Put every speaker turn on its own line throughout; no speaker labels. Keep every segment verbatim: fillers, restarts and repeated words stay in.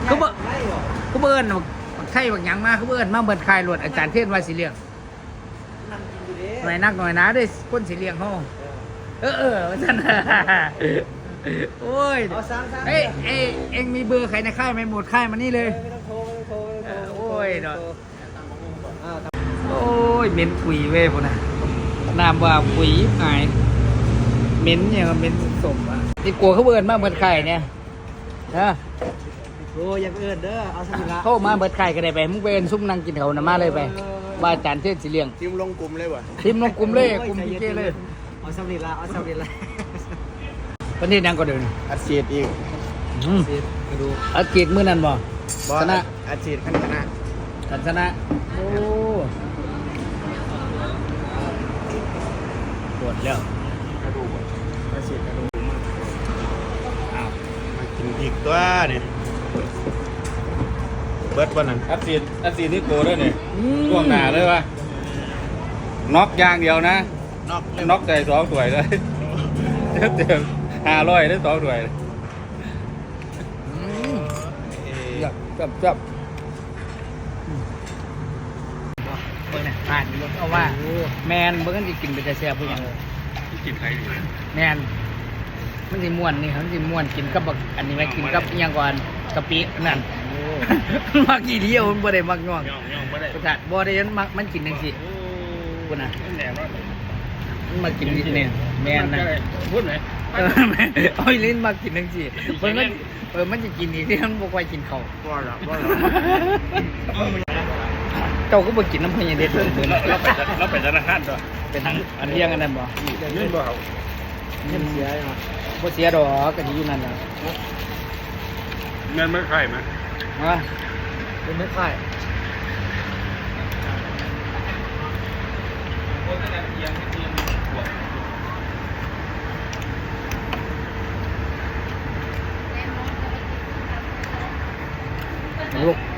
เขาเบิ่เขาเบิ่นไข่บางอย่างมาเขาเบิ่นมาเบิ่นคายรวดอาจารย์เทศว่าสิเลี้ยงหน่อยนักหน่อยนะด้วยคนสิเลี้ยงห้องเออเออท่านโอ้ยเอ้ยเอ้ยเอ็งมีเบอร์ใครในค่ายไหมหมดค่ายมานี่เลย
ไม่ต้องโทรไม่ต้องโทรไม่ต้องโทร
โอ้ยเนาะโอ้ยเหม็นปุ๋ยเว้ยพวกน่ะน้ำว่าปุ๋ยหายเหม็นเนี่ยมันเหม็นสมอ่ะที่กลัวเขาเบิ่นมากเบิ่นไข่เนี่ยนะ
โอ้ยังเอินเด้อเอาสมิละ
เข้ามาเบิดไข่ก็ได้ไปมึงไปเอินซุ่มนั่งกินเขานะมาเลยไปว่าอาจารย์เทศสิเลี้ยง
ทีมลงกลุ่มเลยวะ
ทีมลงกลุ่มเลยกลุ่มพีเจเลย
เอาสมิละเอาสมิละ
วันนี้นั่งก็เดิน
อัดฉีดอีก
อืม
กระดูก
อากีดมือนั่นบ่
บอ
ช
ล
นะ
อัดฉีดขั้นชนะ
กันชนะโอ้ปวดแล้ว
กระดูกอัดฉีดกระดูกมากอ้าวมากินอีกตัวนี่เบิร์ดวันนั้น
อัดสีดอัดสีดนี่โกด้วยเนี่ยช่วงหนาเลยวะน็อกอย่างเดียวนะ
นอก
น็อกใจสองถ้วยเลยเต็มห้าร้อยได้สองถ้วย
จับจับจับเบิ่งน่ะผ่านอยู่เอาว่าแมนเบิ่งกันสิกินไปแต่แซ่บเพิ่นหยัง
กินใครดี
แมนมันสิม่วนนี่มันสิม่วนกินกับบักอันนี้ไหมกินกับอิหยังก่อนกะปินั่น มักอีเดียวมันบ่ได้มักง่วง
ย่องย่องไม่ได้
ประกาศบ่ได้มันมักมันกินจังซี่พุ่นน่ะ
แหนม
มันมากินนี่เนี่ยแม่นนะ
พูดไหน
เออแม่นเอาอีลิ้นมากินจังซี่เพิ่นมันเออมันจะกินอีกที่มันบ่ค่อยกินข้าว
บอลละบอลละ
เจ้าก็บ่กินน้ำพญาเด็ดเลยเพิ่น
เราไปเราไปธนาคารด้วย
เป็นอันอันเที่ยงอันนั้นบ่
ยื่นบ่เขา
เงินเสียเนาะ
บ่เสียดอกก็ดีอยู่นั่นน่ะ
เงินไม่ใครไหม
ฮะ
เป็นไม่ค่าย
ลูก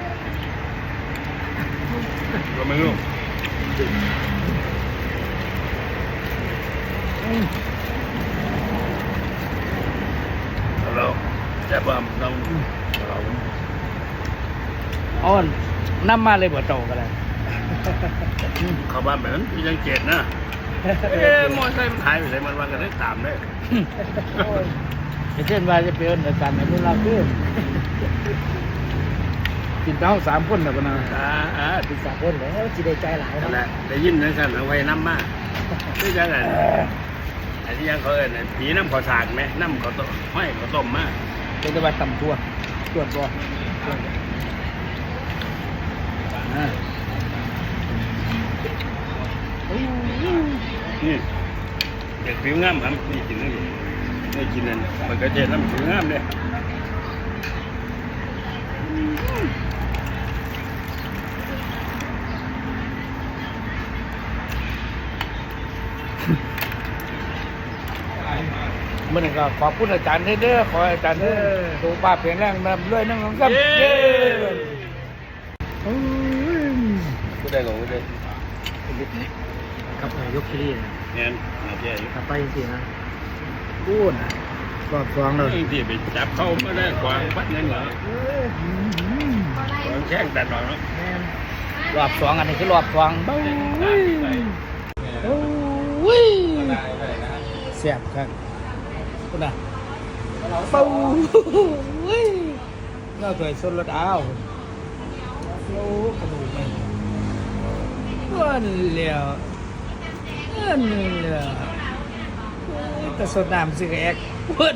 เราไม่รู้เราจะบ่มเราเรา
อ้อนนำมาเลยบ่เจ้าก็ได้
เข้าบ้านแบบนั้นยังเจ็ดนะเอ๊ะมอไซค์มันหายไปไหนมันวันกันได้ตามได้
เช่นว่าจะไปเอิ้นอาจารย์ให้มันลาขึ้นกินเท้าสามคนน่ะบ่นะ
อ่าอ่า
ติดสามคนแล้วจีได้ใจหลาย
นั่นแห
นะ
ละได้ยินนั่นสั่นเอาไว้น้ำมากไม่ใช่กันไอ้ที่ยังเขาเอิญผีน้ำข้าวสากไหมน้ำข้าวต้มห้อยข้าวต้มมาก
เป็นแต่ว่าตำตัวตรวจบ่อ่า
นี่เด็กผิวงามครับนี่กินนี่นี่กินนั่นมันก็เจ็ดน้ำผิวงามเลย
มื่อนี้ก็ขอบคุณอาจารย์เด้อขอให้อาจารย์เด้อสุขภาพแข็งแรงนำด้วยนั่งของกับเย้โอ้ย
ก็ได้ลงเลย
กับยกขี้
เงี้ยน่าเจ๊อยู่
กลับไปจริงๆนะ
พูดนะรอบสองเลย
ที่ไปจับเข้าไม่ได้กวางพัดเงินเหรอ กวางแข้งแต่หน่อยเนาะ
รอบสองอันนี้คือรอบสองเบ้าโอ้ยแซ่บครับพูดนะเบ้าเราเคยสดรถอ้าวโอ้กระดูกมันเงินเหลียวเงินเหลียวแต่สดน้ำสิกแอกเพิ่น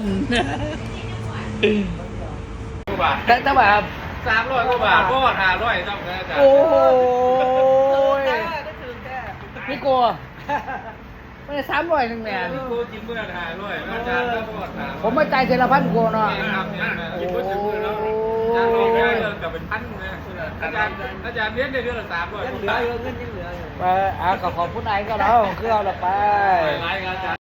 แต่แต่ว่า
สามร้อยกว่าบาทก็ห้าร้อยต้องนะจ๊ะ
โอ้ยพี่กลัวไม่ได้สามร้อยหนึ่งแม่
กูกินเมื่อห้าร้อยอาจารย์ก็บอกถาม
ผมมาจ่ายเทละพันกลัวเนาะ
กินเมื่อถึงมือแล้วอาจารย์บอกได้เลยกับเป็นพันเลยอาจารย์อาจารย์เลี้ยงในเดือนละสามร้อย
ยังเหลือเงินยังเหลือ
ไปอ่ะก็ขอบคุณไอ้ก็แล้วคือเอาละไป
รายงาน